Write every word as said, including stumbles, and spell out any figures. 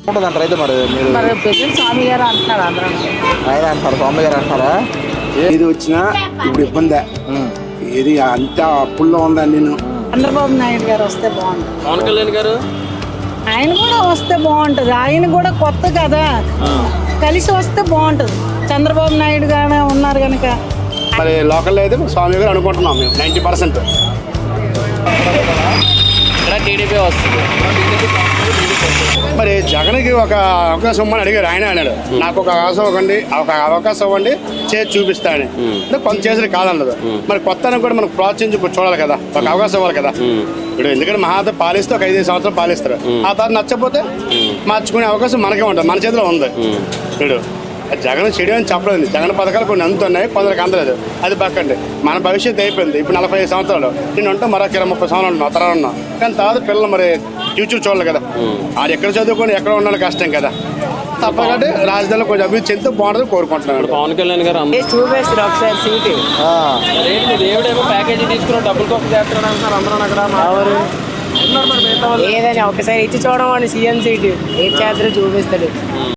ఉంటుందంటారు అయితే మరి మీరు మరి పెద్ద స్వామి గారు అంటున్నారు అందరూ. ఆయన అంటారు, స్వామి గారు అంటారా? ఏది వచ్చినా ఇప్పుడు ఇబ్బంది. ఏది అంత అప్పుల్లో ఉందని నేను చంద్రబాబు నాయుడు గారు వస్తే బాగుంటుంది. పవన్ కళ్యాణ్ గారు ఆయన కూడా వస్తే బాగుంటుంది. ఆయన కూడా కొత్త కదా, కలిసి వస్తే బాగుంటుంది. చంద్రబాబు నాయుడు గానే ఉన్నారు కనుక మరి లోకల్లో అయితే స్వామి గారు అనుకుంటున్నాం మేము నైంటీ పర్సెంట్. ఇక్కడ టీడీపీ వస్తుంది. మరి జగన్కి ఒక అవకాశం ఇవ్వమని అడిగారు. ఆయన అన్నాడు నాకు ఒక అవకాశం ఇవ్వండి, ఒక అవకాశం ఇవ్వండి, చేసి చూపిస్తాను అంటే కొంత చేసిన కాదన్నది. మరి కొత్త కూడా మనకు ప్రోత్సహించి ఇప్పుడు చూడాలి కదా, ఒక అవకాశం ఇవ్వాలి కదా. ఇప్పుడు ఎందుకంటే మహాత పాలిస్తే ఒక ఐదు సంవత్సరాలు పాలిస్తారు. ఆ తర్వాత నచ్చకపోతే మార్చుకునే అవకాశం మనకే ఉంటుంది, మన చేతిలో ఉంది. ఇప్పుడు జగన్ చెడు అని చెప్పలేదు. జగన్ పథకాలు కొన్ని అందుతున్నాయి, కొందరికి అందలేదు. అది పక్కండి, మన భవిష్యత్తు అయిపోయింది. ఇప్పుడు నలభై ఐదు సంవత్సరాలు నేను ఉంటాం, మరొక ఇరవై ముప్పై సంవత్సరాలు ఉన్నాం, తరాలు ఉన్నాం. కానీ తర్వాత పిల్లలు మరి ఫ్యూచర్ చూడాలి కదా. ఆడు ఎక్కడ చదువుకొని ఎక్కడ ఉండాలి కష్టం కదా. తప్పకంటే రాజధానిలో కొంచెం అభివృద్ధి చెందుతూ బాగుంటుంది కోరుకుంటున్నాను. పవన్ కళ్యాణ్ గారు చూపేస్తారు ఒకసారి సీటు. దేవుడేమో ప్యాకేజీ తీసుకుని డబ్బులు కొక్క చేస్తాడు అంటున్నారు అందరూ అక్కడ. ఏదని ఒకసారి ఇచ్చి చూడమని సీఎం సీటు ఏం చేద్దరూ చూపిస్తాడు.